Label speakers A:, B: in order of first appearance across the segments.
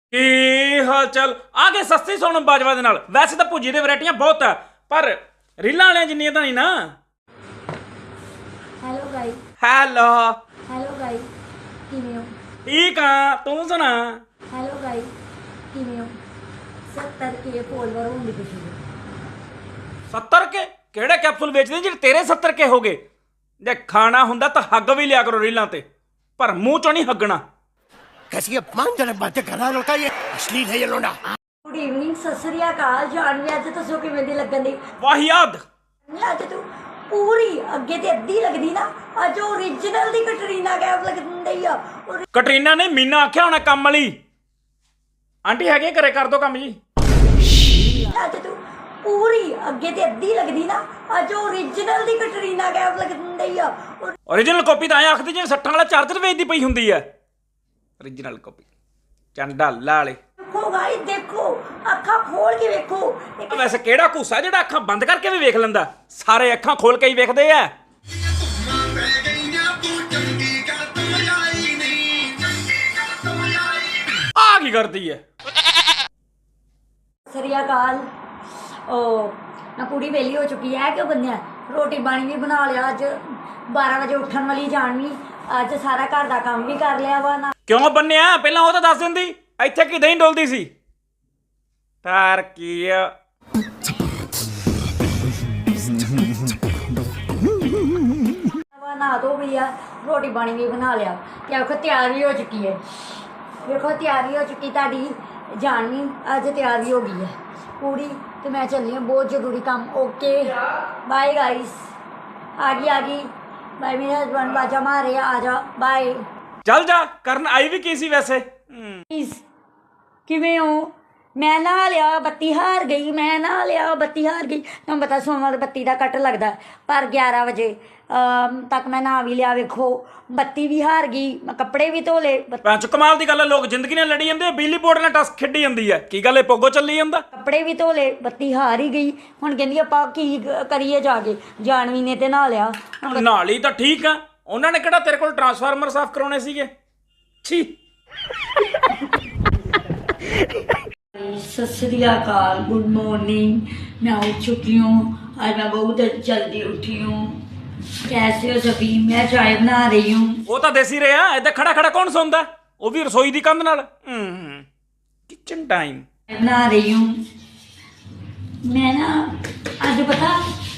A: ਕੀ ਹਾਲ ਚਾਲ ਆ ਗਏ ਸਸਤੀ ਸੋਨਮ ਬਾਜਵਾ ਦੇ ਨਾਲ। ਵੈਸੇ ਤਾਂ ਭੁੱਜੀ ਦੇ ਵੈਰਾਈਟੀਆਂ ਬਹੁਤ ਆ ਪਰ ਰੀਲਾਂ ਵਾਲਿਆਂ ਜਿੰਨੀਆਂ ਤਾਂ ਨਹੀਂ ਨਾ।
B: Hello guys
A: hello
B: hello guys ਕਿਵੇਂ ਹੋ?
A: ਠੀਕ ਆ, ਤੂੰ ਸੁਣਾ?
B: ਹੈਲੋ ਗਾਇਸ ਕਿਵੇਂ ਹੋ? 70 ਕੇ ਫੋਲੋਵਰ ਹੋਣ ਦੀ ਖੁਸ਼ੀ ਵਿੱਚ
A: 70 ਕੇ ਕਿਹੜੇ ਕੈਪਸੂਲ ਵੇਚਦੇ ਜਿਹੜੇ ਤੇਰੇ 70 ਕੇ ਹੋ ਗਏ? ਜੇ ਖਾਣਾ ਹੁੰਦਾ ਤਾਂ ਹੱਗ ਵੀ ਲਿਆ ਕਰੋ ਰੀਲਾਂ ਤੇ, ਪਰ ਮੂੰਹ ਚੋਂ ਨਹੀਂ ਹੱਗਣਾ।
C: कैसी अपमानजनक बातें कर रहा है लड़का, ये अश्लील है ये लोंडा।
B: ਗੁੱਡ ਈਵਨਿੰਗ, ਸਤਿ ਸ੍ਰੀ ਅਕਾਲ। ਜਾਨਵੀ ਅੱਜ ਦੱਸੋ ਕਿਵੇਂ ਦੀ ਲੱਗਣ ਦੀ?
A: ਵਾਹਿਆਦ
B: ਅੱਜ ਤੂੰ ਪੂਰੀ ਅੱਗੇ ਤੇ ਅੱਧੀ ਲੱਗਦੀ ਨਾ, ਅੱਜ ਓਰੀਜਨਲ ਦੀ ਕਟਰੀਨਾ ਕੈਫ ਲੱਗਦੀ ਆ।
A: ਕਟਰੀਨਾ ਨੇ ਮੀਨਾ ਆਖਿਆ ਹੋਣਾ ਕੰਮ ਵਾਲੀ। ਆਂਟੀ ਹੈਗੇ ਘਰੇ, ਕਰ ਦੋ ਕੰਮ ਜੀ।
B: ਅੱਜ ਤੂੰ ਪੂਰੀ ਅੱਗੇ ਤੇ ਅੱਧੀ ਲੱਗਦੀ ਨਾ, ਅੱਜ ਓਰੀਜਨਲ ਦੀ ਕਟਰੀਨਾ ਕੈਫ ਲੱਗਦੀ ਆ।
A: ਓਰੀਜਨਲ ਕਾਪੀ ਤਾਂ ਐਂ ਆਖਦੀ ਜਿਵੇਂ ਸੱਠਾਂ ਵਾਲਾ ਚਾਰਜਰ ਵੇਚਦੀ ਪਈ ਹੁੰਦੀ ਆ। ਓਰੀਜਨਲ ਕਾਪੀ ਚੰਡਾ ਲਾਲੇ।
B: ਦੇਖੋ ਗਾਇਸ ਦੇਖੋ, ਅੱਖਾਂ ਖੋਲ ਕੇ ਵੇਖੋ।
A: ਵੈਸੇ ਕਿਹੜਾ ਘੂਸਾ ਜਿਹੜਾ ਅੱਖਾਂ ਬੰਦ ਕਰਕੇ ਵੀ ਵੇਖ ਲੈਂਦਾ? ਸਾਰੇ ਅੱਖਾਂ ਖੋਲ ਕੇ ਹੀ ਵੇਖਦੇ ਆ। ਆ ਕੀ ਕਰਦੀ ਹੈ?
B: ਸਤਿ ਸ੍ਰੀ ਅਕਾਲ। ਉਹ ਨਾ ਕੁੜੀ ਵਿਹਲੀ ਹੋ ਚੁੱਕੀ ਹੈ। ਕਿਉਂ ਬੰਨਿਆ? ਰੋਟੀ ਪਾਣੀ ਵੀ ਬਣਾ ਲਿਆ। ਅੱਜ 12 ਵਜੇ ਉੱਠਣ ਵਾਲੀ ਜਾਣਵੀ ਅੱਜ ਸਾਰਾ ਘਰ ਦਾ ਕੰਮ ਵੀ ਕਰ ਲਿਆ ਵਾ ਨਾ।
A: ਕਿਉਂ ਬੰਨਿਆ? ਪਹਿਲਾਂ ਉਹ ਤਾਂ ਦੱਸ ਦਿੰਦੀ। ਇੱਥੇ ਕੀ ਦਹੀਂ ਡੋਲਦੀ ਸੀ? ਤਾਰ ਕੀ ਆ?
B: ਨਾ ਧੋ ਵੀ ਆ, ਰੋਟੀ ਪਾਣੀ ਵੀ ਬਣਾ ਲਿਆ ਤੇ ਵੇਖੋ ਤਿਆਰ ਵੀ ਹੋ ਚੁੱਕੀ ਹੈ। ਵੇਖੋ ਤਿਆਰ ਵੀ ਹੋ ਚੁੱਕੀ ਤੁਹਾਡੀ ਜਾਣਵੀ ਅੱਜ ਤਿਆਰ ਵੀ ਹੋ ਗਈ ਹੈ ਕੁੜੀ। ਤੇ ਮੈਂ ਚੱਲੀ ਹਾਂ, ਬਹੁਤ ਜ਼ਰੂਰੀ ਕੰਮ। Okay bye guys. ਆ ਗਈ ਬਾਏ। ਮੇਰੇ ਹਸਬੈਂਡ ਬਾਜਾ ਮਾਰੇ ਆ ਜਾ। ਬਾਏ।
A: ਚੱਲ ਜਾ। ਕਰਨ ਆਈ ਵੀ ਕੀ ਸੀ ਵੈਸੇ?
B: ਕਿਵੇਂ ਹੋ? ਮੈਂ ਨਹਾ ਲਿਆ, ਬੱਤੀ ਹਾਰ ਗਈ। ਮੈਂ ਨਹਾ ਲਿਆ, ਬੱਤੀ ਹਾਰ ਗਈ। ਤੁਹਾਨੂੰ ਪਤਾ ਸੋਮਵਾਰ ਬੱਤੀ ਦਾ ਕੱਟ ਲੱਗਦਾ, ਪਰ 11 ਵਜੇ ਤੱਕ ਮੈਂ ਨਹਾ ਵੀ ਲਿਆ। ਵੇਖੋ ਬੱਤੀ ਵੀ ਹਾਰ ਗਈ, ਮੈਂ ਕੱਪੜੇ ਵੀ ਧੋ ਲਏ।
A: ਪੰਜ ਕਮਾਲ ਦੀ ਗੱਲ ਹੈ, ਲੋਕ ਜ਼ਿੰਦਗੀ ਨਾਲ ਲੜੀ ਜਾਂਦੇ ਆ, ਬਿਜਲੀ ਬੋਰਡ ਨਾਲ ਟਸ ਖੇਡੀ ਜਾਂਦੀ ਹੈ। ਕੀ ਗੱਲ ਹੈ, ਪੋਗੋ ਚੱਲੀ ਜਾਂਦਾ?
B: ਕੱਪੜੇ ਵੀ ਧੋ ਲਏ, ਬੱਤੀ ਹਾਰ ਹੀ ਗਈ। ਹੁਣ ਕਹਿੰਦੀ ਆਪਾਂ ਕੀ ਕਰੀਏ ਜਾ ਕੇ। ਜਾਨਵੀ ਨੇ ਤੇ ਨਹਾ ਲਿਆ।
A: ਨਾਲ ਹੀ ਤਾਂ ਠੀਕ ਆ। ਉਹਨਾਂ ਨੇ ਕਿਹੜਾ ਤੇਰੇ ਕੋਲ ਟਰਾਂਸਫਾਰਮਰ ਸਾਫ਼ ਕਰਾਉਣੇ ਸੀਗੇ? ਛੀ।
B: सत श्री अकाल, गुड मॉर्निंग। मैं उठ चुकी हूँ, आज मैं बहुत जल्दी उठी हूँ। कैसे हो सभी? मैं चाय बना रही हूँ।
A: ਉਹ ਤਾਂ ਦੇਸੀ ਰਿਹਾ। ਏਦਾਂ ਖੜਾ ਖੜਾ ਕੌਣ ਸੌਂਦਾ? ਉਹ ਵੀ ਰਸੋਈ ਦੀ ਕੰਧ ਨਾਲ। ਕਿਚਨ ਟਾਈਮ
B: बना रही हूँ मैं ना। ਅੱਜ ਪਤਾ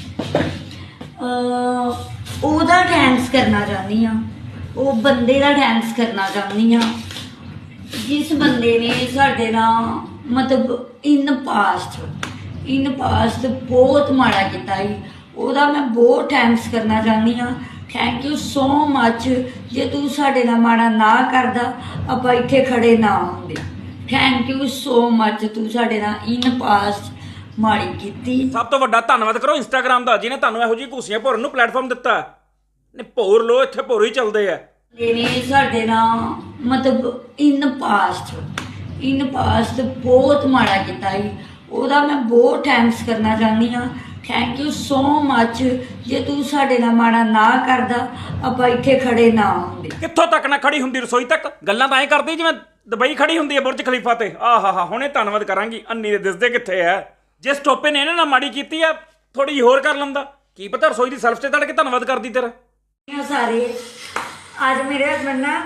B: ਉਹਦਾ ਡਾਂਸ ਕਰਨਾ ਚਾਹੁੰਦੀ ਹਾਂ, ਉਹ ਬੰਦੇ ਦਾ ਡਾਂਸ ਕਰਨਾ ਚਾਹੁੰਦੀ ਹਾਂ ਜਿਸ ਬੰਦੇ ਨੇ ਸਾਡੇ ਨਾਲ ਮਤਲਬ ਇਨ ਪਾਸਟ ਬਹੁਤ ਮਾੜਾ ਕੀਤਾ ਸੀ। ਉਹਦਾ ਮੈਂ ਬਹੁਤ ਥੈਂਕਸ ਕਰਨਾ ਚਾਹੁੰਦੀ ਹਾਂ। Thank you so much. ਜੇ ਤੂੰ ਸਾਡੇ ਨਾਲ ਮਾੜਾ ਨਾ ਕਰਦਾ ਆਪਾਂ ਇੱਥੇ ਖੜੇ ਨਾ ਹੁੰਦੇ। ਥੈਂਕ ਯੂ ਸੋ ਮੱਚ, ਤੂੰ ਸਾਡੇ ਨਾਲ ਇਨ ਪਾਸਟ ਮਾੜੀ ਕੀਤੀ।
A: ਸਭ ਤੋਂ ਵੱਡਾ ਧੰਨਵਾਦ ਕਰੋ ਇੰਸਟਾਗ੍ਰਾਮ ਦਾ, ਜਿਹਨੇ ਤੁਹਾਨੂੰ ਇਹੋ ਜਿਹੀ ਘੂਸੀਆਂ ਭੋਰਨ ਨੂੰ ਪਲੇਟਫਾਰਮ ਦਿੱਤਾ। ਨੇ ਭੋਰ ਲੋ, ਇੱਥੇ ਭੋਰ ਹੀ ਚੱਲਦੇ ਆ।
B: ਨੇ ਸਾਡੇ ਨਾਲ ਮਤਲਬ ਇਨ ਪਾਸਟ ਬਹੁਤ ਮਾੜਾ ਕੀਤਾ ਸੀ। ਉਹਦਾ ਮੈਂ ਬਹੁਤ ਥੈਂਕਸ ਕਰਨਾ ਚਾਹੁੰਦੀ ਹਾਂ। Thank you so much. ਜੇ ਤੂੰ ਸਾਡੇ ਨਾਲ ਮਾੜਾ ਨਾ ਕਰਦਾ ਆਪਾਂ ਇੱਥੇ ਖੜੇ ਨਾ ਹੁੰਦੇ।
A: ਕਿੱਥੋਂ ਤੱਕ ਨਾ ਖੜੀ ਹੁੰਦੀ? ਰਸੋਈ ਤੱਕ। ਗੱਲਾਂ ਤਾਂ ਐਂ ਕਰਦੀ ਜਿਵੇਂ ਦੁਬਈ ਖੜੀ ਹੁੰਦੀ ਹੈ ਬੁਰਜ ਖਲੀਫਾ ਤੇ। ਆਹਾ ਹੁਣੇ ਧੰਨਵਾਦ ਕਰਾਂਗੀ। ਅੰਨੀ ਦੇ ਦਿਸਦੇ ਕਿੱਥੇ ਆ? ਜਿਸ ਟੋਪੇ ਨੇ ਇਹਨਾਂ ਨਾਲ ਮਾੜੀ ਕੀਤੀ ਆ, ਥੋੜੀ ਜਿਹੀ ਹੋਰ ਕਰ ਲੈਂਦਾ। ਕੀ ਪਤਾ ਰਸੋਈ ਦੀ ਸੈਲਫ ਤੇ ਤੜ ਕੇ ਧੰਨਵਾਦ ਕਰਦੀ ਤੇਰਾ।
B: ਸਾਰੇ ਅੱਜ ਮੇਰੇ ਹਸਬੈਂਡ ਨਾ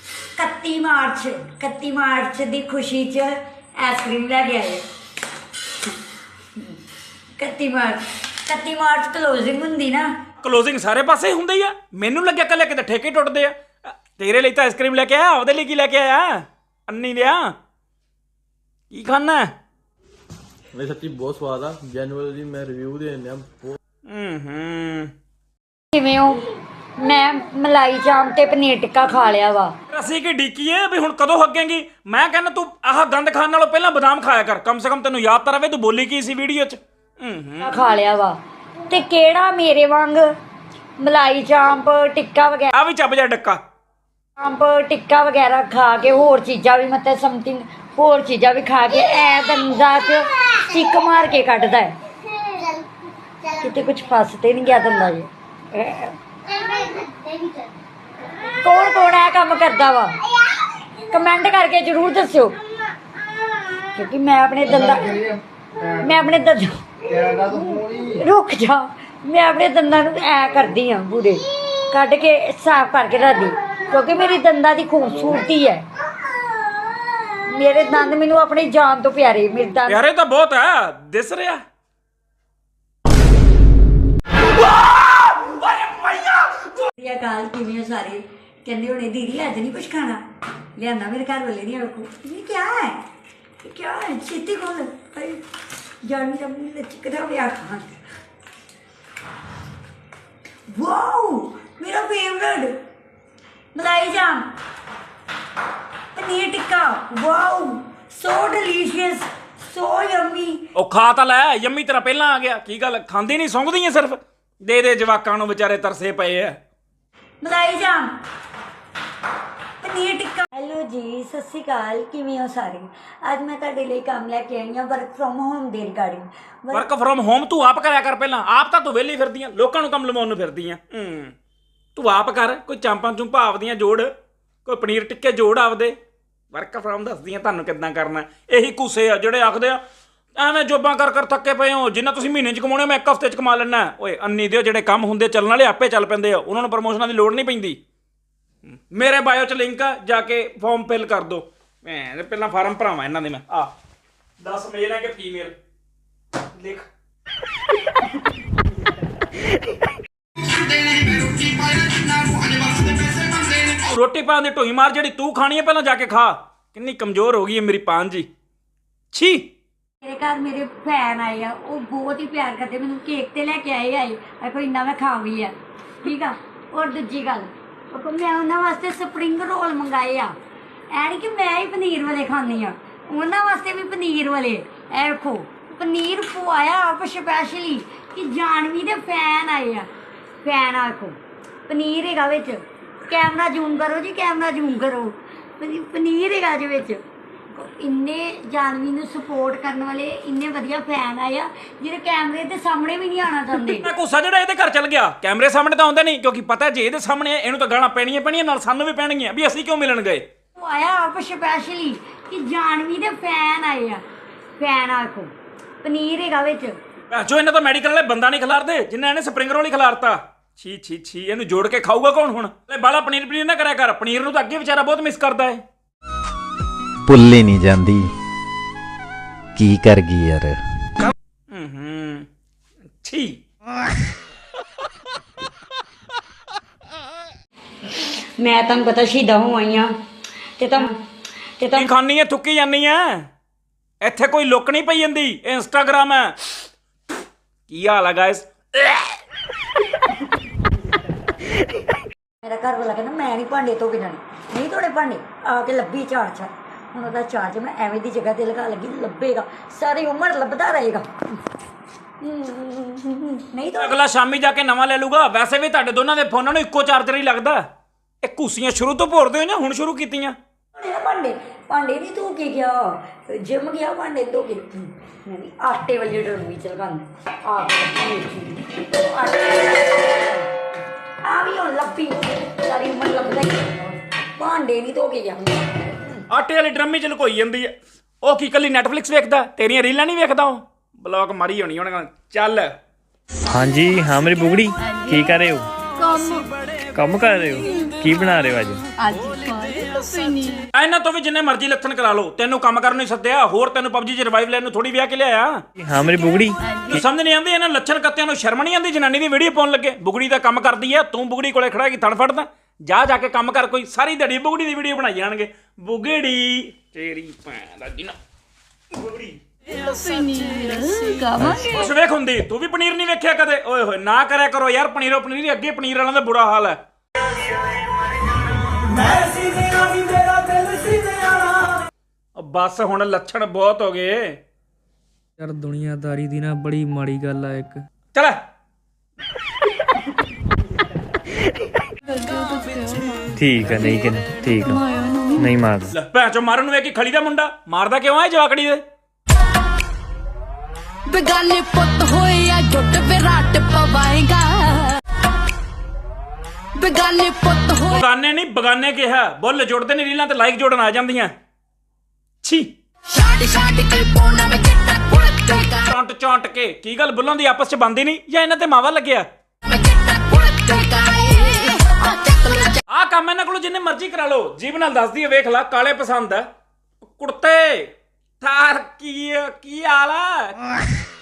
B: 31 ਮਾਰਚ ਦੀ ਖੁਸ਼ੀ 'ਚ ਆਈਸਕ੍ਰੀਮ ਲੈ ਕੇ ਆਏ। 31 ਮਾਰਚ ਕਲੋਜ਼ਿੰਗ ਹੁੰਦੀ ਨਾ।
A: ਕਲੋਜ਼ਿੰਗ ਸਾਰੇ ਪਾਸੇ ਹੁੰਦੀ ਆ। ਮੈਨੂੰ ਲੱਗਿਆ ਕੱਲੇ ਕਿਤੇ ਠੇਕੇ ਟੁੱਟਦੇ ਆ। ਤੇਰੇ ਲਈ ਤਾਂ ਆਈਸਕ੍ਰੀਮ ਲੈ ਕੇ ਆਇਆ, ਉਹਦੇ ਲਈ ਕੀ ਲੈ ਕੇ ਆਇਆ? ਅੰਨੀ ਲਿਆ ਕੀ ਖਾਣਾ?
D: ਵੇ ਸੱਚੀ ਬਹੁਤ ਸਵਾਦ ਆ। ਜੈਨੂਅਲੀ ਮੈਂ ਰਿਵਿਊ ਦੇ ਦਿੰਦਾ ਬਹੁਤ।
B: ਕਿਵੇਂ ਹੋ? ਮੈਂ ਮਲਾਈ ਚਾਂਪ ਤੇ ਪਨੀਰ ਟਿੱਕਾ ਖਾ ਲਿਆ ਵਾ।
A: ਅਸੀਂ ਕੀ ਡੀਕੀਏ ਵੀ ਹੁਣ ਕਦੋਂ ਹੱਗੇਂਗੀ? ਮੈਂ ਕਹਿੰਦਾ ਤੂੰ ਆਹ ਗੰਦ ਖਾਣ ਨਾਲੋਂ ਪਹਿਲਾਂ ਬਦਾਮ ਖਾਇਆ ਕਰ, ਕਮ ਸੇ ਕਮ ਤੈਨੂੰ ਯਾਦ ਤਾਂ ਰਵੇ ਤੂੰ ਬੋਲੀ ਕੀ ਸੀ ਵੀਡੀਓ 'ਚ।
B: ਖਾ ਲਿਆ ਵਾ ਤੇ ਕਿਹੜਾ ਮੇਰੇ ਵਾਂਗ ਮਲਾਈ ਚਾਂਪ ਟਿੱਕਾ ਵਗੈਰਾ
A: ਆ ਵੀ ਚੱਬ ਜਾ ਡੱਕਾ।
B: ਚਾਂਪ ਟਿੱਕਾ ਵਗੈਰਾ ਖਾ ਕੇ ਹੋਰ ਚੀਜ਼ਾਂ ਵੀ ਮਤਲਬ ਸਮਥਿੰਗ ਹੋਰ ਚੀਜ਼ਾਂ ਵੀ ਖਾ ਕੇ ਐ ਦੰਦਾਂ 'ਚ ਚਿੱਕ ਮਾਰ ਕੇ ਕੱਢਦਾ ਹੈ। ਕਿਤੇ ਕੁਝ ਫਸ ਤੇ ਨਹੀਂ ਗਿਆ ਦੰਦਾਂ 'ਚ। ਕੌਣ ਇਹ ਕੰਮ ਕਰਦਾ ਵਾ? ਕਮੈਂਟ ਕਰਕੇ ਜ਼ਰੂਰ ਦੱਸਿਓ। ਕਿਉਂਕਿ ਮੈਂ ਆਪਣੇ ਦੰਦਾਂ ਰੁਕ ਜਾ, ਮੈਂ ਆਪਣੇ ਦੰਦਾਂ ਨੂੰ ਐ ਕਰਦੀ ਆ ਪੂਰੇ ਕੱਢ ਕੇ ਸਾਫ਼ ਕਰਕੇ ਰੱਖਦੀ, ਕਿਉਂਕਿ ਮੇਰੀ ਦੰਦਾਂ ਦੀ ਖੂਬਸੂਰਤੀ ਹੈ। ਮੇਰੇ ਦੰਦ ਮੈਨੂੰ ਆਪਣੀ ਜਾਨ ਤੋਂ ਪਿਆਰੇ, ਮੇਰੇ ਦੰਦ
A: ਪਿਆਰੇ ਤਾਂ ਬਹੁਤ ਹੈ, ਦਿਸ ਰਿਹਾ।
B: ਵਧੀਆ ਕਾਲ ਕਿਵੇਂ ਹੋ ਸਾਰੇ? ਕਹਿੰਦੇ ਹੋਣੇ ਦੀਦੀ ਅੱਜ ਨਹੀਂ ਕੁਛ ਖਾਣਾ, ਲਿਆਂਦਾ ਮੇਰੇ ਘਰ ਵਾਲੇ ਨਹੀਂ ਵੇਖੋ ਇਹ ਕੀ ਹੈ, ਇਹ ਕੀ ਹੈ ਛੇਤੀ ਖੋਲ ਜਾਨ ਦਾ ਮੂੰਹ ਲਚਕਦਾ ਹੋਇਆ ਖਾਣ। ਵਾਓ ਮੇਰਾ ਫੇਵਰਟ ਮਲਾਈ ਜਾਮ paneer tikka, wow so delicious so yummy.
A: ਉਹ ਖਾ ਤਾਂ ਲੈ, ਯੰਮੀ ਤੇਰਾ ਪਹਿਲਾਂ ਆ ਗਿਆ। ਕੀ ਗੱਲ ਖਾਂਦੀ ਨਹੀਂ, ਸੌਂਗਦੀ ਐ ਸਿਰਫ? ਦੇ ਦੇ ਜਵਾਕਾਂ ਨੂੰ, ਵਿਚਾਰੇ ਤਰਸੇ ਪਏ ਆ।
B: ਮਲਾਈ ਜਾਮ ਪਨੀਰ ਟਿੱਕਾ। ਹੈਲੋ ਜੀ, ਸਤਿ ਸ਼੍ਰੀ ਅਕਾਲ, ਕਿਵੇਂ ਹੋ ਸਾਰੇ? ਅੱਜ ਮੈਂ ਤੁਹਾਡੇ ਲਈ ਕੰਮ ਲੈ ਕੇ ਆਈ ਹਾਂ ਵਰਕ ਫਰੋਮ ਹੋਮ ਦੇ ਰਿਗਾਰਡਿੰਗ।
A: ਵਰਕ ਫਰੋਮ ਹੋਮ ਤੂੰ ਆਪ ਕਰਿਆ ਕਰ ਪਹਿਲਾਂ। ਆਪ ਤਾਂ ਤੂੰ ਵਿਹਲੀ ਫਿਰਦੀ ਆ, ਲੋਕਾਂ ਨੂੰ ਕੰਮ ਲਵਾਉਣ ਨੂੰ ਫਿਰਦੀ ਆ। ਤੂੰ ਆਪ ਕਰ, ਕੋਈ ਚਾਂਪਾਂ ਚੁੰਪਾਂ ਆਪਦੀਆਂ ਜੋੜ, ਕੋਈ ਪਨੀਰ ਟਿੱਕੇ ਜੋੜ ਆਪਦੇ। ਵਰਕ ਫਰੋਮ ਦੱਸਦੀ ਆ ਤੁਹਾਨੂੰ ਕਿੱਦਾਂ ਕਰਨਾ। ਇਹੀ ਘੁੱਸੇ ਆ ਜਿਹੜੇ ਆਖਦੇ ਆ ਐਵੇਂ ਜੋਬਾਂ ਕਰ ਥੱਕੇ ਪਏ ਹੋ, ਜਿੰਨਾ ਤੁਸੀਂ ਮਹੀਨੇ 'ਚ ਕਮਾਉਣੇ ਮੈਂ ਇੱਕ ਹਫ਼ਤੇ 'ਚ ਕਮਾ ਲੈਣਾ। ਓਏ ਅੰਨੀ ਦਿਓ, ਜਿਹੜੇ ਕੰਮ ਹੁੰਦੇ ਚੱਲਣ ਵਾਲੇ ਆਪੇ ਚੱਲ ਪੈਂਦੇ ਆ, ਉਹਨਾਂ ਨੂੰ ਪ੍ਰਮੋਸ਼ਨਾਂ ਦੀ ਲੋੜ ਨਹੀਂ ਪੈਂਦੀ। ਮੇਰੇ ਬਾਇਓ 'ਚ ਲਿੰਕ ਆ, ਜਾ ਕੇ ਫਾਰਮ ਫਿਲ ਕਰ ਦਿਓ। ਮੈਂ ਪਹਿਲਾਂ ਫਾਰਮ ਭਰਾਵਾਂ ਇਹਨਾਂ ਦੇ। ਮੈਂ 10 ਮੇਲ ਹੈ ਕਿ ਫੀਮੇਲ ਲਿਖ। ਰੋਟੀ ਪਾਉਣ ਦੀ ਢੋਈ ਮਾਰ, ਜਿਹੜੀ ਤੂੰ ਖਾਣੀ ਹੈ ਪਹਿਲਾਂ ਜਾ ਕੇ ਖਾ। ਕਿੰਨੀ ਕਮਜ਼ੋਰ ਹੋ ਗਈ ਹੈ ਮੇਰੀ ਪਾਨ ਜੀ। ਛੀ
B: ਮੇਰੇ ਘਰ ਮੇਰੇ ਫੈਨ ਆਏ ਆ, ਉਹ ਬਹੁਤ ਹੀ ਪਿਆਰ ਕਰਦੇ ਮੈਨੂੰ। ਕੇਕ ਤੇ ਲੈ ਕੇ ਆਏ ਕੋਈ ਇੰਨਾ ਮੈਂ ਖਾ ਵੀ ਆ, ਠੀਕ ਆ। ਔਰ ਦੂਜੀ ਗੱਲ, ਉਹ ਮੈਂ ਉਹਨਾਂ ਵਾਸਤੇ ਸਪਰਿੰਗ ਰੋਲ ਮੰਗਾਏ ਆ। ਐ ਨਹੀਂ ਕਿ ਮੈਂ ਹੀ ਪਨੀਰ ਵਾਲੇ ਖਾਂਦੀ ਆ, ਉਹਨਾਂ ਵਾਸਤੇ ਵੀ ਪਨੀਰ ਵਾਲੇ। ਐ ਵੇਖੋ ਪਨੀਰ ਪਵਾਇਆ ਆਪ ਸਪੈਸ਼ਲੀ ਕਿ ਜਾਨਵੀ ਦੇ ਫੈਨ ਆਏ ਆ। ਫੈਨ ਆ ਵੇਖੋ, ਪਨੀਰ ਹੈਗਾ ਵਿੱਚ। ਕੈਮਰਾ ਜ਼ੂਮ ਕਰੋ ਜੀ, ਕੈਮਰਾ ਜ਼ੂਮ ਕਰੋ। ਪਨੀਰ ਹੈਗਾ ਜੀ ਵਿੱਚ। ਇੰਨੇ ਜਾਨਵੀ ਨੂੰ ਸਪੋਰਟ ਕਰਨ ਵਾਲੇ ਇੰਨੇ ਵਧੀਆ ਫੈਨ ਆਏ ਆ ਜਿਹੜੇ ਕੈਮਰੇ ਦੇ ਸਾਹਮਣੇ ਵੀ ਨਹੀਂ ਆਉਣਾ ਚਾਹੁੰਦੇ।
A: ਮੈਂ ਗੁੱਸਾ ਜਿਹੜਾ ਇਹਦੇ ਘਰ ਚੱਲ ਗਿਆ, ਕੈਮਰੇ ਸਾਹਮਣੇ ਤਾਂ ਆਉਂਦਾ ਨਹੀਂ, ਕਿਉਂਕਿ ਪਤਾ ਜੇ ਇਹਦੇ ਸਾਹਮਣੇ ਇਹਨੂੰ ਤਾਂ ਗਾਲਾਂ ਪੈਣੀਆਂ ਨਾਲ ਸਾਨੂੰ ਵੀ ਪੈਣਗੀਆਂ ਵੀ ਅਸੀਂ ਕਿਉਂ ਮਿਲਣ ਗਏ।
B: ਉਹ ਆਇਆ ਆਪ ਸਪੈਸ਼ਲੀ ਕਿ ਜਾਨਵੀ ਦੇ ਫੈਨ ਆਏ ਆ। ਫੈਨ ਆ ਵੇਖੋ, ਪਨੀਰ ਹੈਗਾ ਵਿੱਚ।
A: ਜੋ ਇਹਨਾਂ ਤਾਂ ਮੈਡੀਕਲ ਵਾਲੇ ਬੰਦਾ ਨਹੀਂ ਖਿਲਾਰਦੇ ਜਿੰਨਾ ਇਹਨੇ ਸਪਰਿੰਗ ਰੋਲ ਹੀ ਖਿਲਾਰਤਾ। ਛੀ ਇਹਨੂੰ ਜੋੜ ਕੇ ਖਾਊਗਾ ਕੌਣ ਹੁਣ? ਬਾਲਾ ਪਨੀਰ ਨਾ ਕਰਿਆ ਕਰ, ਪਨੀਰ ਨੂੰ ਤਾਂ ਅੱਗੇ ਵਿਚਾਰਾ ਬਹੁਤ ਮਿਸ ਕਰਦਾ ਹੈ।
E: ਭੁੱਲੇ ਨਹੀਂ ਜਾਂਦੀ, ਕੀ ਕਰ ਗਈ ਯਾਰ।
A: ਛੀ
B: ਮੈਂ ਤੁਹਾਨੂੰ ਪਤਾ ਸ਼ਹੀਦਾਂ ਹੋ ਆਈਆਂ ਤੇ
A: ਕੀ ਖਾਣੀ ਹੈ, ਥੁੱਕੀ ਜਾਨੀ ਹੈ। ਇੱਥੇ ਕੋਈ ਲੁੱਕ ਨਹੀਂ ਪਈ ਜਾਂਦੀ, ਇਹ ਇੰਸਟਾਗ੍ਰਾਮ ਹੈ। ਕੀ ਹਾਲ ਹੈ ਗਾਇਸ?
B: ਮੇਰਾ ਘਰ ਵਾਲਾ ਕਹਿੰਦਾ ਮੈਂ ਨਹੀਂ ਭਾਂਡੇ ਧੋ ਕੇ ਜਾਣੇ, ਨਹੀਂ ਧੋਣੇ ਭਾਂਡੇ, ਆ ਕੇ ਲੱਭੀ ਚਾਰਜ। ਹੁਣ ਉਹਦਾ ਚਾਰਜ ਮੈਂ ਐਵੇਂ ਦੀ ਜਗ੍ਹਾ ਤੇ ਲਗਾ ਲੱਗੀ, ਲੱਭੇਗਾ ਸਾਰੀ ਉਮਰ ਲੱਭਦਾ ਰਹੇਗਾ। ਨਹੀਂ ਤਾਂ
A: ਅਗਲਾ ਸ਼ਾਮੀ ਜਾ ਕੇ ਨਵਾਂ ਲੈ ਲੂਗਾ। ਵੈਸੇ ਵੀ ਤੁਹਾਡੇ ਦੋਨਾਂ ਦੇ ਫੋਨਾਂ ਨੂੰ ਇੱਕੋ ਚਾਰਜਰ ਹੀ ਲੱਗਦਾ। ਇਹ ਘੂਸੀਆਂ ਸ਼ੁਰੂ ਤੋਂ ਭੋਰਦੇ ਹੋ ਜਾਂ ਹੁਣ ਸ਼ੁਰੂ ਕੀਤੀਆਂ?
B: ਭਾਂਡੇ ਨਹੀਂ ਧੋ ਕੇ ਗਿਆ, ਜਿਮ ਗਿਆ ਭਾਂਡੇ ਧੋ ਕੇ ਨਹੀਂ। ਆਟੇ ਵਾਲੀ ਡਰਮੀ ਚ ਲਗਾਉਂਦਾ ਆ ਵੀ ਹੁਣ ਲੱਭੀ ਸਾਰੀ ਉਮਰ ਲੱਭਦਾ ਹੀ, ਭਾਂਡੇ ਨਹੀਂ ਧੋ ਕੇ ਗਿਆ।
A: ਆਟੇ ਵਾਲੀ ਡਰਮੀ ਚ ਲੁਕੋਈ ਜਾਂਦੀ ਹੈ। ਉਹ ਕੀ ਕੱਲੀ ਨੈਟਫਲਿਕਸ ਵੇਖਦਾ, ਤੇਰੀਆਂ ਰੀਲਾਂ ਨਹੀਂ ਵੇਖਦਾ? ਉਹ ਬਲੌਕ ਮਾਰੀ ਹੋਣੀ ਉਹਨੇ। ਚੱਲ
F: ਹਾਂਜੀ ਹਾਂ ਮੇਰੀ ਬੁਗੜੀ, ਕੀ ਕਰ ਰਹੇ ਹੋ? ਕੰਮ ਕਰ ਰਹੇ ਹੋ? ਕੀ ਬਣਾ ਰਹੇ ਹੋ ਅੱਜ?
A: ਇਹਨਾਂ ਤੋਂ ਵੀ ਜਿੰਨੇ ਮਰਜ਼ੀ ਲੱਥਣ ਕਰਾ ਲਓ, ਤੈਨੂੰ ਕੰਮ ਕਰਨ ਨੂੰ ਹੀ ਸੱਦਿਆ। ਹੋਰ ਤੈਨੂੰ ਪਬਜੀ 'ਚ ਰਿਵਾਈਵ ਲੈਣ ਨੂੰ ਥੋੜੀ ਵਿਆਹ ਕੇ ਲਿਆਇਆ।
F: ਹਾਂ ਮੇਰੀ ਬੁਗੜੀ,
A: ਤੂੰ ਸਮਝ ਨਹੀਂ ਆਉਂਦੀ ਇਹਨਾਂ ਲੱਛਣ ਕੱਤਿਆਂ ਨੂੰ? ਸ਼ਰਮ ਨਹੀਂ ਆਉਂਦੀ ਜਨਾਨੀ ਦੀ ਵੀਡੀਓ ਪਾਉਣ ਲੱਗੇ? ਬੁਗੜੀ ਦਾ ਕੰਮ ਕਰਦੀ ਆ, ਤੂੰ ਬੁਗੜੀ ਕੋਲੇ ਖੜਾ ਕੀ ਥਣ ਫੜਦਾ? ਜਾ ਕੇ ਕੰਮ ਕਰ। ਕੋਈ ਸਾਰੀ ਦਿਹਾੜੀ ਬੁਗੜੀ ਦੀ ਵੀਡੀਓ ਬਣਾਈ ਜਾਣਗੇ। ਬੁਗੜੀ ਤੇਰੀ ਭੈਣ ਦਾ ਜਿਨਾ ਬੁਗੜੀ ਉਸ ਵੇਖ ਹੁੰਦੀ। ਤੂੰ ਵੀ ਪਨੀਰ ਨਹੀਂ ਵੇਖਿਆ ਕਦੇ? ਓਏ ਹੋਏ ਨਾ ਕਰਿਆ ਕਰੋ ਯਾਰ ਪਨੀਰੋ ਪਨੀਰ। ਅੱਗੇ ਪਨੀਰ ਵਾਲਿਆਂ ਦਾ ਬੁਰਾ ਹਾਲ ਹੈ। ਬਸ ਹੁਣ ਲੱਛਣ ਬਹੁਤ ਹੋ ਗਏ
G: ਯਾਰ। ਦੁਨੀਆਦਾਰੀ ਦੀ ਨਾ ਬੜੀ ਮਾੜੀ ਗੱਲ ਆ ਇੱਕ।
A: ਚੱਲ
F: ਠੀਕ ਹੈ, ਨਹੀਂ ਕਿ ਠੀਕ ਆ, ਨਹੀਂ ਮਾਰਦਾ।
A: ਲੈ ਭੈਣ ਚੋ ਮਾਰਨ ਨੂੰ ਵੇਖ ਕੇ ਖਲੀ ਦਾ ਮੁੰਡਾ ਮਾਰਦਾ ਕਿਉਂ ਆ ਜਵਾਕੜੀ ਦੇ?
H: ਬਗਾਨੇ ਪੁੱਤ ਹੋਇਆ ਜੁੱਟ ਵਿਰਾਟ ਪਵਾਏਗਾ। ਬਗਾਨੇ ਪੁੱਤ ਹੋ
A: ਬਗਾਨੇ ਨਹੀਂ ਬਗਾਨੇ ਕਿਹਾ। ਬੁੱਲ ਜੁੜਦੇ ਨੇ ਰੀਲਾਂ ਤੇ ਲਾਈਕ ਜੋੜਨ ਆ ਜਾਂਦੀਆਂ। ਛੀ ਚੌਂਟ ਚੌਂਟ ਕੇ ਕੀ ਗੱਲ ਬੁੱਲਾਂ ਦੀ ਆਪਸ ਚ ਬੰਦੀ ਨਹੀਂ ਜਾਂ ਇਹਨਾਂ ਤੇ ਮਾਵਾ ਲੱਗਿਆ? ਆਹ ਕੰਮ ਇਹਨਾਂ ਕੋਲੋਂ ਜਿੰਨੇ ਮਰਜ਼ੀ ਕਰਾ ਲਓ, ਜੀਬ ਨਾਲ ਦੱਸਦੀ ਹੈ, ਵੇਖ ਲਾ ਕਾਲੇ ਪਸੰਦ ਆ ਕੁੜਤੇ ਥਾਰ ਕੀ ਹਾਲ ਆ?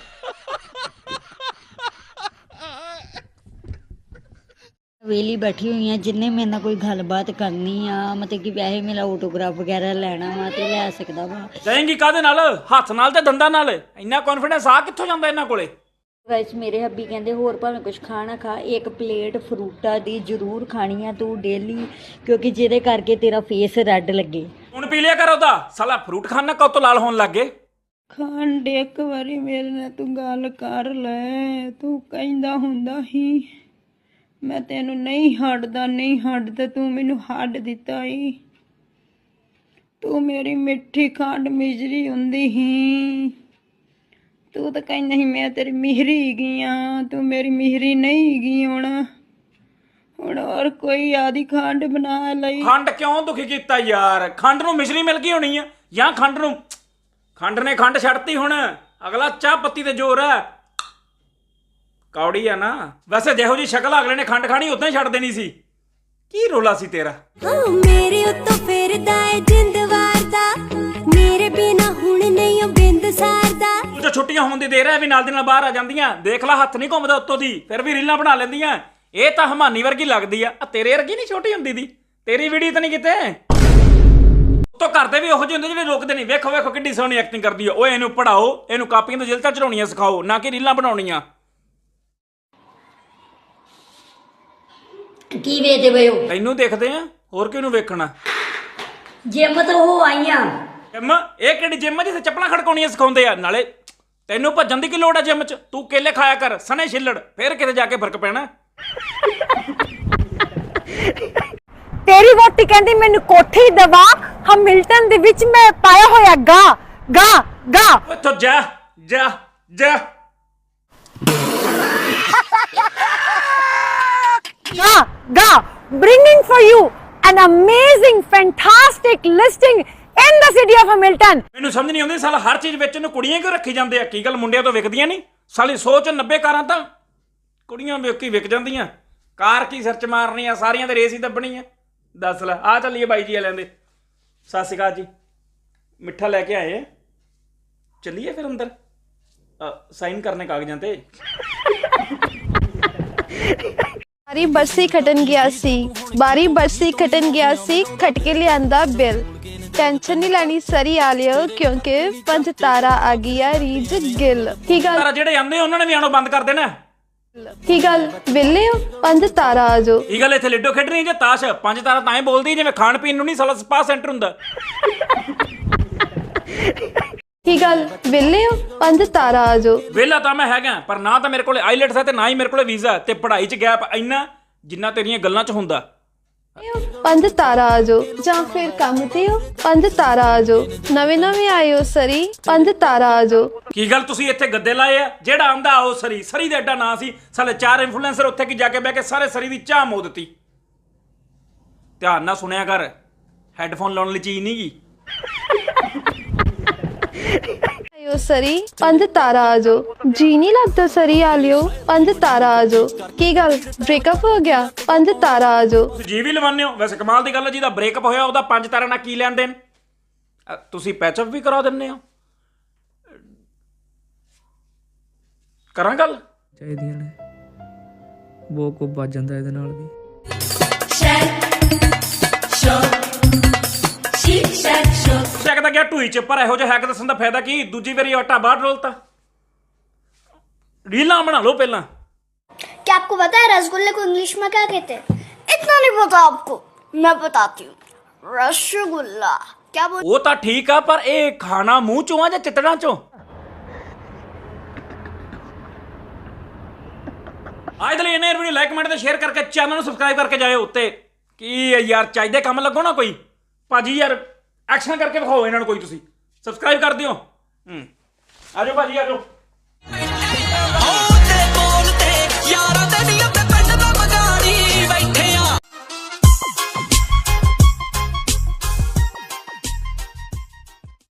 B: ਵੇਲੀ ਬੈਠੀ ਹੋਈ ਆ, ਜਿੰਨੇ ਮੇਰੇ ਨਾਲ ਕੋਈ ਗੱਲਬਾਤ ਕਰਨੀ ਆ, ਮਤਲਬ ਕਿ ਵੈਸੇ ਮੇਰਾ ਆਟੋਗ੍ਰਾਫ ਵਗੈਰਾ ਲੈਣਾ ਵਾ ਤੇ ਲੈ ਸਕਦਾ ਵਾ।
A: ਜਾਏਂਗੀ ਕਾਹਦੇ ਨਾਲ? ਹੱਥ ਨਾਲ ਤੇ ਦੰਦਾਂ ਨਾਲ। ਇੰਨਾ ਕੌਨਫੀਡੈਂਸ ਆ ਕਿੱਥੋਂ ਜਾਂਦਾ ਇਹਨਾਂ ਕੋਲੇ?
B: ਗਾਇਸ ਮੇਰੇ ਹੱਬੀ ਕਹਿੰਦੇ ਹੋਰ ਭਾਵੇਂ ਕੁਝ ਖਾਣਾ ਖਾ, ਇੱਕ ਪਲੇਟ ਫਰੂਟਾਂ ਦੀ ਜ਼ਰੂਰ ਖਾਣੀ ਆ ਤੂੰ ਡੇਲੀ, ਕਿਉਂਕਿ ਜਿਹਦੇ ਕਰਕੇ ਤੇਰਾ ਫੇਸ ਰੈੱਡ ਲੱਗੇ।
A: ਹੁਣ ਪੀ ਲਿਆ ਕਰ ਉਹਦਾ, ਸਾਲਾ ਫਰੂਟ ਖਾਣਾ ਕਦੋਂ ਤੋਂ ਲਾਲ ਹੋਣ ਲੱਗ ਗਏ?
I: ਖੰਡ ਇੱਕ ਵਾਰੀ ਮੇਰੇ ਨਾਲ ਤੂੰ ਗੱਲ ਕਰ ਲੈ, ਤੂੰ ਕਹਿੰਦਾ ਹੁੰਦਾ ਸੀ ਮੈਂ ਤੈਨੂੰ ਨਹੀਂ ਹੱਟਦਾ ਤੂੰ ਮੈਨੂੰ ਹੱਡ ਦਿੱਤਾ ਈ। ਤੂੰ ਮੇਰੀ ਮਿੱਠੀ ਖੰਡ ਮਿਜਰੀ ਹੁੰਦੀ ਸੀ, ਤੂੰ ਤਾਂ ਕਹਿੰਦਾ ਸੀ ਮੈਂ ਤੇਰੀ ਮਿਹਰੀ ਹੈਗੀ ਆ, ਤੂੰ ਮੇਰੀ ਮਿਹਰੀ ਨਹੀਂ ਹੈਗੀ। ਹੁਣ ਹੋਰ ਕੋਈ ਆਦੀ ਖੰਡ ਬਣਾ ਲਈ।
A: ਖੰਡ ਕਿਉਂ ਦੁਖੀ ਕੀਤਾ ਯਾਰ? ਖੰਡ ਨੂੰ ਮਿਸ਼ਰੀ ਮਿਲ ਗਈ ਹੋਣੀ ਆ, ਜਾਂ ਖੰਡ ਨੇ ਖੰਡ ਛੱਡਤੀ। ਹੁਣ ਅਗਲਾ ਚਾਹ ਪੱਤੀ ਤੇ ਜ਼ੋਰ ਆ, ਕੌੜੀ ਆ ਨਾ। ਵੈਸੇ ਜਿਹੋ ਜੀ ਸ਼ਕਲ ਅਗਲੇ ਨੇ ਖੰਡ ਖਾਣੀ ਉਦਾਂ ਹੀ ਛੱਡ ਦੇਣੀ ਸੀ। ਕੀ ਰੋਲਾ ਸੀ ਤੇਰਾ?
H: ਮੇਰੇ ਉੱਤੋਂ ਫਿਰਦਾ ਏ ਜਿੰਦ ਵਾਰਦਾ, ਮੇਰੇ ਬਿਨਾ ਹੁਣ ਨਹੀਂ ਉਹ ਬਿੰਦ ਸਾਰਦਾ।
A: ਤੂੰ ਤਾਂ ਛੁੱਟੀਆਂ ਹੋਣ ਦੀ ਦੇਰ ਹੈ ਵੀ ਨਾਲ ਦੀ ਨਾਲ ਬਾਹਰ ਆ ਜਾਂਦੀਆਂ, ਦੇਖ ਲੈ ਹੱਥ ਨਹੀਂ ਘੁੰਮਦਾ ਉੱਤੋਂ ਦੀ, ਫਿਰ ਵੀ ਰੀਲਾਂ ਬਣਾ ਲੈਂਦੀਆਂ। ਇਹ ਤਾਂ ਹਮਾਨੀ ਵਰਗੀ ਲੱਗਦੀ ਆ, ਤੇਰੇ ਵਰਗੀ ਨਹੀਂ ਛੋਟੀ ਹੁੰਦੀ ਦੀ। ਤੇਰੀ ਵੀਡੀਓ ਤਾਂ ਨਹੀਂ ਕਿਤੇ ਉੱਤੋਂ ਕਰਦੇ ਵੀ ਉਹੋ ਜਿਹੇ ਹੁੰਦੇ ਜਿਹੜੇ ਰੋਕਦੇ ਨਹੀਂ। ਵੇਖੋ ਕਿੱਡੀ ਸੋਹਣੀ ਐਕਟਿੰਗ ਕਰਦੀ ਆ। ਓਏ ਇਹਨੂੰ ਪੜਾਓ, ਇਹਨੂੰ ਕਾਪੀਆਂ ਤੋਂ ਜਿਲਤਾਂ ਚੜਾਉਣੀਆਂ ਸਿਖਾਓ, ਨਾ ਕਿ ਰੀਲਾਂ ਬਣਾਉਣੀਆਂ।
B: ਕੀ ਵੇਚਦੇ ਪਏ ਹੋ?
A: ਤੈਨੂੰ ਦੇਖਦੇ ਆ, ਹੋਰ ਕਿਹਨੂੰ ਵੇਖਣਾ?
B: ਜਿਮ ਤੋਂ ਹੋ ਆਈਆਂ।
A: ਜਿਮ? ਇਹ ਕਿਹੜੀ ਜਿਮ ਆ ਜਿੱਥੇ ਚੱਪਲਾਂ ਖੜਕਾਉਣੀਆਂ ਸਿਖਾਉਂਦੇ ਆ? ਨਾਲੇ ਤੈਨੂੰ ਭੱਜਣ ਦੀ ਕੀ ਲੋੜ ਆ ਜਿਮ 'ਚ? ਤੂੰ ਕੇਲੇ ਖਾਇਆ ਕਰ, ਸਣੇ ਛਿੱਲੜ, ਫਿਰ ਕਿਤੇ ਜਾ ਕੇ ਫਰਕ ਪੈਣਾ।
I: ਤੇਰੀ ਵੋਟੀ ਕਹਿੰਦੀ ਮੈਨੂੰ ਕੋਠੀ ਦਵਾ, ਹਮਿਲਟਨ ਦੇ ਵਿੱਚ ਮੈਂ ਪਾਇਆ ਹੋਇਆ ਗਾ।
A: ਉੱਥੋਂ ਜਾ।
I: Bringing for you an amazing, fantastic listing in the city of Hamilton.
A: ਮੈਨੂੰ ਸਮਝ ਨਹੀਂ ਆਉਂਦੀ ਸਾਲਾ, ਹਰ ਚੀਜ਼ ਵਿੱਚ ਨੂੰ ਕੁੜੀਆਂ ਕਿਉਂ ਰੱਖੀ ਜਾਂਦੇ ਆ? ਕੀ ਗੱਲ ਮੁੰਡਿਆਂ ਤੋਂ ਵਿਕਦੀਆਂ ਨਹੀਂ? ਸਾਲੀ 100 ਚ 90 ਕਾਰਾਂ ਤਾਂ ਕੁੜੀਆਂ ਵੇਖ ਕੇ ਵਿਕ ਜਾਂਦੀਆਂ। ਕਾਰ ਕੀ ਸਿਰ 'ਚ ਮਾਰਨੀ ਆ, ਸਾਰੀਆਂ ਤੇ ਰੇਸ ਹੀ ਦੱਬਣੀ ਆ। ਦੱਸ ਲੈ। ਆ ਚੱਲੀਏ ਬਾਈ ਜੀ ਵਾਲਿਆਂ ਦੇ। ਸਤਿ ਸ਼੍ਰੀ ਅਕਾਲ ਜੀ। ਮਿੱਠਾ ਲੈ ਕੇ ਆਏ ਆ, ਚੱਲੀਏ ਫਿਰ ਅੰਦਰ ਸਾਈਨ ਕਰਨੇ ਕਾਗਜ਼ਾਂ ਤੇ।
J: ਬਾਰੀ ਬਰਸੀ ਖਟਣ ਗਿਆ ਸੀ ਖਟ ਕੇ ਲਿਆਂਦਾ ਬਿੱਲ। ਟੈਨਸ਼ਨ ਨਹੀਂ ਲੈਣੀ ਸਰੀ ਆ ਲਿਓ, ਕਿਉਂਕਿ 5 ਤਾਰਾ ਆ ਗਈਆਂ ਰੀਜ ਗਿੱਲ। ਕੀ ਗੱਲ
A: ਤਾਰਾ ਜਿਹੜੇ ਆਂਦੇ ਉਹਨਾਂ ਨੇ ਵੀ ਆਣੋ ਬੰਦ ਕਰ ਦੇਣਾ।
J: ਕੀ ਗੱਲ ਵਿਹਲੇ ਹੋ? 5 ਤਾਰਾ ਆ ਜਾਓ।
A: ਕੀ ਗੱਲ ਇੱਥੇ ਲਿੱਡੋ ਖੇਡਣੀ ਜੇ ਤਾਸ਼? 5 ਤਾਰਾ ਤਾਂ ਹੀ ਬੋਲਦੀ ਜਿਵੇਂ ਖਾਣ ਪੀਣ ਨੂੰ ਨਹੀਂ ਸਾਲਾ ਸਪਾ ਸੈਂਟਰ ਹੁੰਦਾ।
J: ਕੀ ਗੱਲ ਵਿਹਲੇ ਹੋ? 5 ਤਾਰਾ ਆ ਜਾਓ।
A: ਵਿਹਲਾ ਤਾਂ ਮੈਂ ਹੈਗਾ, ਪਰ ਨਾ ਤਾਂ ਮੇਰੇ ਕੋਲ ਆਈਲੈਟਸ ਹੈ ਤੇ ਨਾ ਹੀ ਮੇਰੇ ਕੋਲ ਵੀਜ਼ਾ, ਤੇ ਪੜ੍ਹਾਈ 'ਚ ਗੈਪ ਇੰਨਾ ਜਿੰਨਾ ਤੇਰੀਆਂ ਗੱਲਾਂ 'ਚ ਹੁੰਦਾ।
J: 5 ਤਾਰਾ ਆ ਜਾਓ, ਜਾਂ ਫਿਰ ਕੰਮ ਤੇ ਹੋ? 5 ਤਾਰਾ ਆ ਜਾਓ। ਨਵੇਂ ਆਏ ਹੋ ਸਰੀ, 5 ਤਾਰਾ ਆ ਜਾਓ।
A: ਕੀ ਗੱਲ ਤੁਸੀਂ ਇੱਥੇ ਗੱਦੇ ਲਾਏ ਆ? ਜਿਹੜਾ ਆਂਦਾ ਆਓ ਸਰੀ ਦਾ ਐਡਾ ਨਾਂ ਸੀ, ਸਾਲੇ 4 ਇਨਫਲੂਐਂਸਰ ਉੱਥੇ ਕੀ ਜਾ ਕੇ ਬਹਿ ਕੇ ਸਾਰੇ ਸਰੀ ਦੀ ਚਾਹ ਮੋ ਦਿੱਤੀ। ਧਿਆਨ ਨਾਲ ਸੁਣਿਆ ਕਰ, ਹੈੱਡਫੋਨ ਲਾਉਣ ਲਈ ਚੀਜ਼ ਨਹੀਂ ਗੀ।
J: ਆਇਓ ਸਰੀ, 5 ਤਾਰਾ ਆ ਜਾਓ। ਜੀ ਨਹੀਂ ਲੱਗਦਾ ਸਰੀ ਆ ਲਿਓ, 5 ਤਾਰਾ ਆ ਜਾਓ। ਕੀ ਗੱਲ ਬ੍ਰੇਕਅਪ ਹੋ ਗਿਆ? 5 ਤਾਰਾ ਆ ਜਾਓ।
A: ਤੁਸੀਂ ਜੀ ਵੀ ਲਵਾਉਂਦੇ ਹੋ? ਵੈਸੇ ਕਮਾਲ ਦੀ ਗੱਲ ਹੈ, ਜਿਹਦਾ ਬ੍ਰੇਕਅਪ ਹੋਇਆ ਉਹਦਾ 5 ਤਾਰਾ ਨਾਲ ਕੀ ਲੈਣ ਦੇਣ? ਤੁਸੀਂ ਪੈਚਅਪ ਵੀ ਕਰਾ ਦਿੰਦੇ ਹੋ। ਕਰਾਂ ਗੱਲ?
G: ਚਾਹੀਦੀਆਂ ਨੇ, ਬਹੁਤ ਕੁ ਵੱਜ ਜਾਂਦਾ ਇਹਦੇ ਨਾਲ ਵੀ।
A: ਸਕਦਾ ਗਿਆ ਢੂਈ ਚ, ਪਰ ਇਹੋ ਜਿਹਾ ਹੈਕ ਦੱਸਣ ਦਾ ਫਾਇਦਾ ਕੀ? ਦੂਜੀ ਵਾਰੀ ਆਟਾ ਬਾਹਰ ਡੋਲਤਾ। ਰੀਲਾਂ बना लो पहला।
K: क्या आपको पता है रसगुल्ले को इंग्लिश में क्या कहते हैं? इतना नहीं पता आपको, मैं बताती हूँ। रसगुल्ला क्या बोल?
A: वो तो ठीक है, पर ये खाना मुंह चों आ या चितड़ा चों? आज लिए इन्हें वीडियो लाइक कमेंट ते शेयर करके चैनल को सब्सक्राइब करके जाए उत्ते कि यार चाहिए काम लगो ना कोई भाजी यार एक्शन करके दिखाओ इन्होंने कोई तुसी सब्सक्राइब कर दियो। आ जाओ भाजी आ जाओ।